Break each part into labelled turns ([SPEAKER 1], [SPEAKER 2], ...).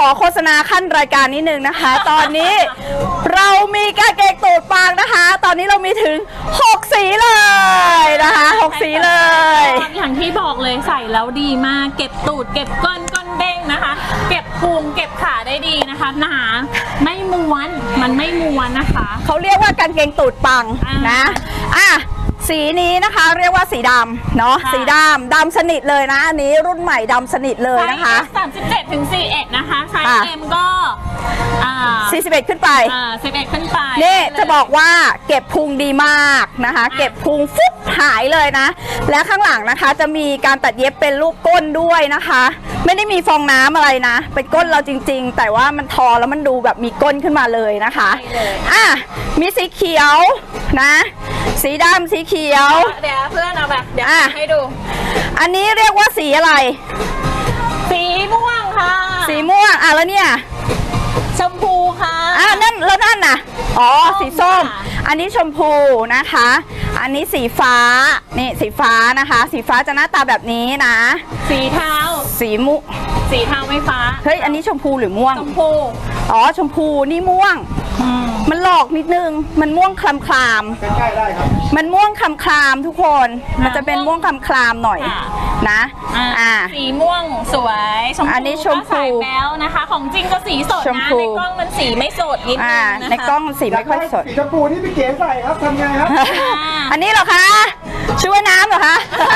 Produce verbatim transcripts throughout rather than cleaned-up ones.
[SPEAKER 1] อโฆษณาขั้นรายการนิดนึงนะคะ ตอนนี้เรามีกางเกงตูดปางนะคะ ตอนนี้เรามีถึงหกสีเลยนะคะหกสีเลย
[SPEAKER 2] อย่างที่บอกเลยใส่แล้วดีมากเก็บตูดเก็บก้นก้นเด้งนะคะ เก็บพุงเก็บขาได้ดีนะคะหนาไม่ม้วนมันไม่ม้วนนะคะ
[SPEAKER 1] เขาเรียกว่ากางเกงตูดปังนะอ่ะสีนี้นะคะเรียกว่าสีดำเนาะสีดำดำสนิทเลยนะอันนี้รุ่นใหม่ดำสนิทเลยนะคะ
[SPEAKER 2] สามสิบเจ็ดถึงสี่สิบเอ็ดนะคะไซส์ เอ็ม ก็
[SPEAKER 1] สี่สิบเอ็ดขึ้นไป
[SPEAKER 2] สิบเอ็ดขึ้นไป
[SPEAKER 1] นี่จะบอกว่าเก็บพุงดีมากนะคะเก็บพุงฟุบหายเลยนะและข้างหลังนะคะจะมีการตัดเย็บเป็นรูปก้นด้วยนะคะไม่ได้มีฟองน้ำอะไรนะเป็นก้นเราจริงๆแต่ว่ามันทอแล้วมันดูแบบมีก้นขึ้นมาเลยนะคะอ่ะมีสีเขียวนะสีดำสีเขียว
[SPEAKER 2] เดี๋ยวเพื่อนเอาแบบเดี๋ยวให้ดู
[SPEAKER 1] อันนี้เรียกว่าสีอะไร
[SPEAKER 2] สีม่วงค่ะ
[SPEAKER 1] สีม่วงอ่ะแล้วเนี่ย
[SPEAKER 2] ชมพูค่ะ
[SPEAKER 1] อ่ะนั่นแล้วนั่นน่ะอ๋อสีส้มอันนี้ชมพูนะคะอันนี้สีฟ้านี่สีฟ้านะคะสีฟ้าจะหน้าตาแบบนี้นะ
[SPEAKER 2] สีเทา
[SPEAKER 1] สีมุ
[SPEAKER 2] สีเทาไม่ฟ้า
[SPEAKER 1] เฮ้ยอันนี้ชมพูหรือม่วง
[SPEAKER 2] ชมพู
[SPEAKER 1] อ๋อชมพูนี่ม่วงมันหลอกนิดนึงมันม่วงคลำคลาม
[SPEAKER 3] ใกล้ๆได้ครับ
[SPEAKER 1] มันม่วงคลำคลามทุกคนมันจะเป็นม่วงคลำคลามหน่อยนะ
[SPEAKER 2] อ่าสีม่วงสวยชมพู
[SPEAKER 1] อันนี้ชมพู
[SPEAKER 2] แล้วนะคะของจริงก็สีสดนะในกล้องมันสีไม่สดนิดนึงนะคะ
[SPEAKER 1] ในกล้องสีไม่ค่อยสด
[SPEAKER 3] สีชมพูที่พี่เก๋ใส่ครับทำไงครับ
[SPEAKER 1] อันนี้เหรอคะช่วยน้ำเหรอคะ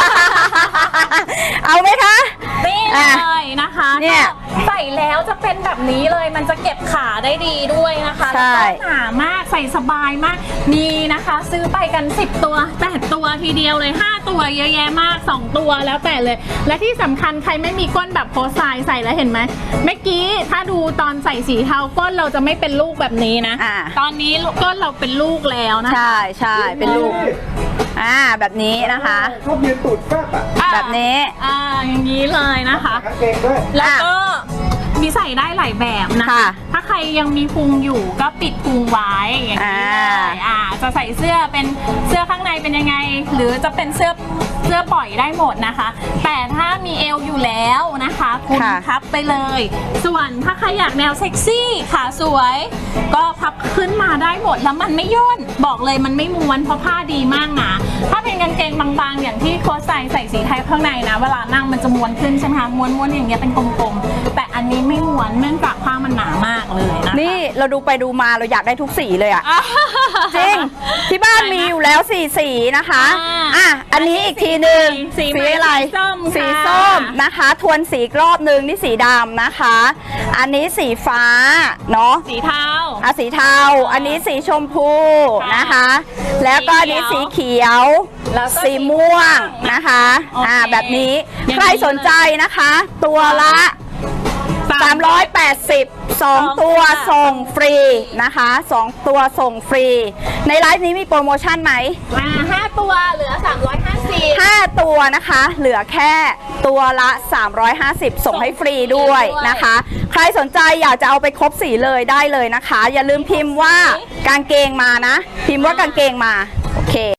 [SPEAKER 1] เอาไหมคะ
[SPEAKER 2] นี่เลยนะคะเนี่ยใส่แล้วจะเป็นแบบนี้เลยมันจะเก็บขาได้ดีด้วยนะคะแล้วก็หนามากใส่สบายมากนี่นะคะซื้อไปกันสิบตัวแปดตัวทีเดียวเลยห้าตัวเยอะแยะมากสองตัวแล้วแต่เลยและที่สำคัญใครไม่มีก้นแบบโพสไซใส่แล้วเห็นไหมเมื่อกี้ถ้าดูตอนใส่สีเทาก้นเราจะไม่เป็นลูกแบบนี้นะตอนนี้ก้นเราเป็นลูกแล้วนะ
[SPEAKER 1] ใช่ใช่เป็นลูกอ่าแบบนี้นะคะ
[SPEAKER 3] ชอบยืนตูดแฟบอ่ะ
[SPEAKER 1] แบบนี้
[SPEAKER 2] อ่าอย่างนี้เลยนะคะแล้วก็มีใส่ได้หลายแบบนะคะถ้าใครยังมีพุงอยู่ก็ปิดพุงไว้อย่างนี้เลยอ่าจะใส่เสื้อเป็นเสื้อข้างในเป็นยังไงหรือจะเป็นเสื้อเสื้อปล่อยได้หมดนะคะแต่ถ้ามีเอวอยู่แล้วนะคะคุณพับไปเลยส่วนถ้าใครอยากแนวเซ็กซี่ขาสวยก็พับขึ้นมาได้หมดแล้วมันไม่ย่นบอกเลยมันไม่ม้วนเพราะผ้าดีมากนะถ้าเป็นกางเกงบางๆอย่างที่โค้ชใส่ใส่สีไทยข้างในนะเวลานั่งมันจะม้วนขึ้นใช่ไหมคะม้วนๆอย่างเงี้ยเป็นกลมๆแต่อันนี้ไม่ม้วนเนื่องจากผ้ามันหนามากเลยนะ
[SPEAKER 1] นี่เราดูไปดูมาเราอยากได้ทุกสีเลยอ่ะจริงที่บ้านมีอยู่แล้วสีสีนะคะอ่ะอันนี้อีกทีหนึ่ง
[SPEAKER 2] สี
[SPEAKER 1] อะไรสีส้มนะคะทวนสีรอบหนึ่งนี่สีดำนะคะอันนี้สีฟ้าเนาะ
[SPEAKER 2] สีเทา
[SPEAKER 1] อ่ะสีเทาอันนี้สีชมพูนะคะแล้วก็อันนี้สีเขียวสีม่วงนะคะอ่าแบบนี้ใครสนใจนะคะตัวละสามร้อยแปดสิบ สองตัวส่งฟรีนะคะสองตัวส่งฟรีในไลฟ์นี้มีโปรโมชั่นไหม
[SPEAKER 2] มาห้าตัวเหลือสามร้อยห้าสิบ
[SPEAKER 1] ห้าตัวนะคะเหลือแค่ตัวละสามร้อยห้าสิบส่งให้ฟรีด้วยนะคะใครสนใจอยากจะเอาไปครบสีเลยได้เลยนะคะอย่าลืมพิมพ์ว่ากางเกงมานะพิมพ์ว่ากางเกงมาโอเค